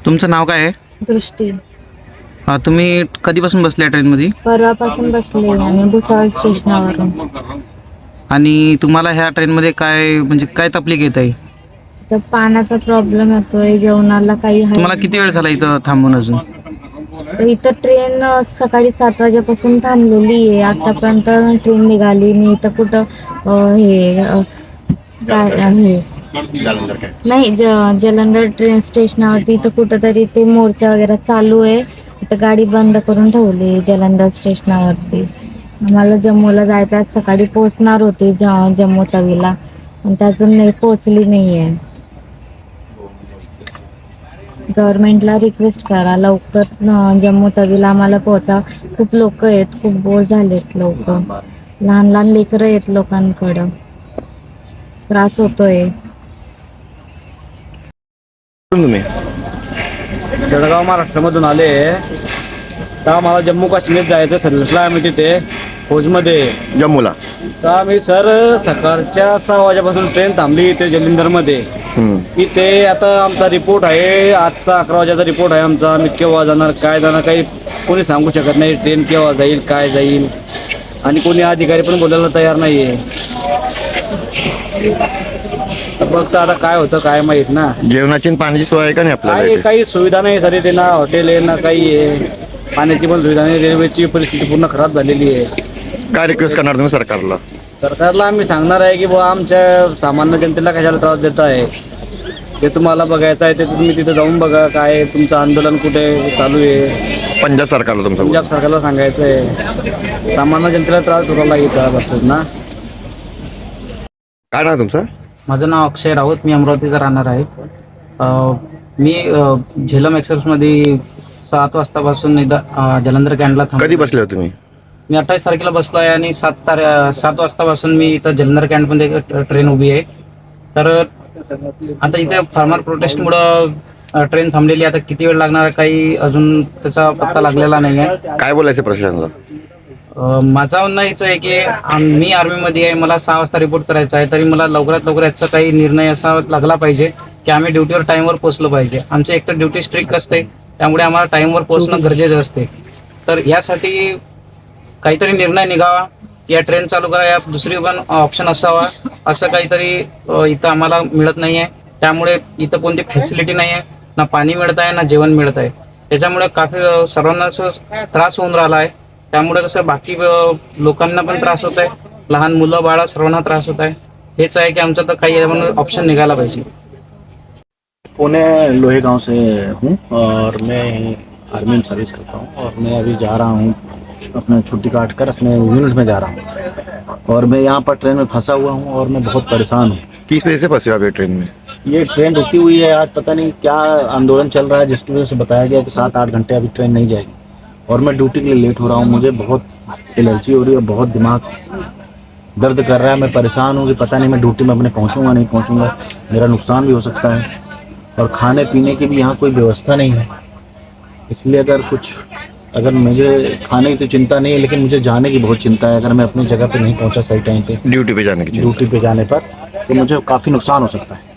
तुमचं नाव काय आहे? दृष्टी. तुम्ही कधीपासून बसले ट्रेनमध्ये? परवापासून बसले आम्ही भुसावळ स्टेशनावरून. आणि तुम्हाला ह्या ट्रेनमध्ये काय तकलीफ येत आहे? तर पाण्याचा प्रॉब्लेम येतोय, जेवणाला काही आहे. तुम्हाला किती वेळ झाला इथं थांबून अजून? तर इथं ट्रेन सकाळी 7 वाजेपासून थांबलेली आहे. आतापर्यंत ट्रेन निघाली नाही. इथं कुठं काय आहे नाही, जलंधर ट्रेन स्टेशनावरती इथं कुठंतरी ते मोर्चा वगैरे चालू आहे. इथं गाडी बंद करून ठेवली जलंधर स्टेशनावरती. आम्हाला जम्मूला जायचं आहे, सकाळी पोहोचणार होती जम्मू तवीला, पण ते अजून नाही पोहोचली नाही आहे. गव्हर्नमेंटला रिक्वेस्ट करा लवकर जम्मू तवीला आम्हाला पोहोचा. खूप लोक आहेत, खूप बोर झालेत लोक, लहान लहान लेकरं आहेत, लोकांकडं त्रास होतोय. तुम्ही जळगाव महाराष्ट्रामधून आले तर आम्हाला जम्मू काश्मीर जायचं सर्व्हिसला. आम्ही तिथे फौजमध्ये जम्मूला. तर आम्ही सर सकाळच्या 6 वाजेपासून ट्रेन थांबली इथे जलिंदरमध्ये. इथे आता आमचा रिपोर्ट आहे, आजचा 11 वाजेचा रिपोर्ट आहे आमचा. आम्ही केव्हा जाणार काय जाणार काही कोणी सांगू शकत नाही. ट्रेन केव्हा जाईल काय जाईल, आणि कोणी अधिकारी पण बोलायला तयार नाही आहे. फक्त आता काय होतं काय माहीत ना. जेवणाची आणि पाण्याची सोय आहे का नाही आपल्याला इथे? काही सुविधा नाही सर इथे, ना हॉटेल आहे ना काही आहे. पाण्याची पण सुविधा नाही. रेल्वेची परिस्थिती पूर्ण खराब झालेली आहे. काय रिक्वेस्ट करणार तुम्ही सरकारला? सरकारला आम्ही सांगणार आहे की बुवा आमच्या सामान्य जनतेला कशाला त्रास देत आहे. ते तुम्हाला बघायचं आहे ते तुम्ही तिथे जाऊन बघा. काय तुमचं आंदोलन कुठे चालू आहे. पंजाब सरकारला तुमचं पंजाब सरकारला सांगायचं आहे. सामान्य जनतेला त्रास होता इथं बसतात ना. काय नाव तुमचं? माझं नाव अक्षय राऊत, मी अमरावतीचा राहणार आहे. मी झेलम एक्सप्रेसमध्ये 7 वाजतापासून जलंधर कॅन्टला कधी बसले होते तुम्ही? मी 28 तारखेला बसलो आहे आणि 7 वाजतापासून मी इथं जलंधर कॅन्टमध्ये ट्रेन उभी आहे. तर आता इथे फार्मर प्रोटेस्टमुळं ट्रेन थांबलेली. आता किती वेळ लागणार आहे काही अजून त्याचा पत्ता लागलेला नाही आहे. काय बोलायचं प्रशासनाला? माझं म्हणणं हेच आहे की मी आर्मीमध्ये आहे, मला 6 वाजता रिपोर्ट करायचा आहे. तरी मला लवकरात लवकर याचा काही निर्णय असा लागला पाहिजे की आम्ही ड्युटीवर टाईमवर पोहोचलो पाहिजे. आमचं एकतर ड्युटी स्ट्रिक्ट असते, त्यामुळे आम्हाला टाईमवर पोहोचणं गरजेचं असते. तर यासाठी काहीतरी निर्णय निघावा, या ट्रेन चालू करा, या दुसरी पण ऑप्शन असावा. असं काहीतरी इथं आम्हाला मिळत नाही आहे. त्यामुळे इथं कोणती फॅसिलिटी नाही आहे, ना पाणी मिळत आहे ना जेवण मिळत आहे. त्याच्यामुळे काफी सर्वांना त्रास होऊन राहिला आहे. त्यामुळे कसं बाकी लोकांना पण त्रास होत आहे, लहान मुलं बाळा सर्वांना त्रास होत आहे. हेच आहे की आमचं तर काही ऑप्शन निघाला पाहिजे. पुणे लोहे गांव से हूँ और मैं आर्मी में सर्विस करता हूँ, और मैं अभी जा रहा हूँ अपने छुट्टी काट कर अपने यूनिट में जा रहा हूँ, और मैं यहाँ पर ट्रेन में फंसा हुआ हूँ और मैं बहुत परेशान हूँ। किस वजह से फंसे हो आप ये ट्रेन में? ये ट्रेन रुकी हुई है, आज पता नहीं क्या आंदोलन चल रहा है जिसकी वजह से बताया गया कि 7-8 घंटे अभी ट्रेन नहीं जाएगी, और मैं ड्यूटी के लिए लेट हो रहा हूँ। मुझे बहुत एलर्जी हो रही है, बहुत दिमाग दर्द कर रहा है। मैं परेशान हूँ कि पता नहीं मैं ड्यूटी में अपने पहुँचूँगा नहीं पहुँचूँगा, मेरा नुकसान भी हो सकता है। और खाने पीने की भी यहाँ कोई व्यवस्था नहीं है, इसलिए अगर मुझे खाने की तो चिंता नहीं है, लेकिन मुझे जाने की बहुत चिंता है। अगर मैं अपनी जगह पे नहीं पहुँचा सही टाइम पे ड्यूटी पे जाने की? ड्यूटी पे जाने पर तो मुझे काफ़ी नुकसान हो सकता है।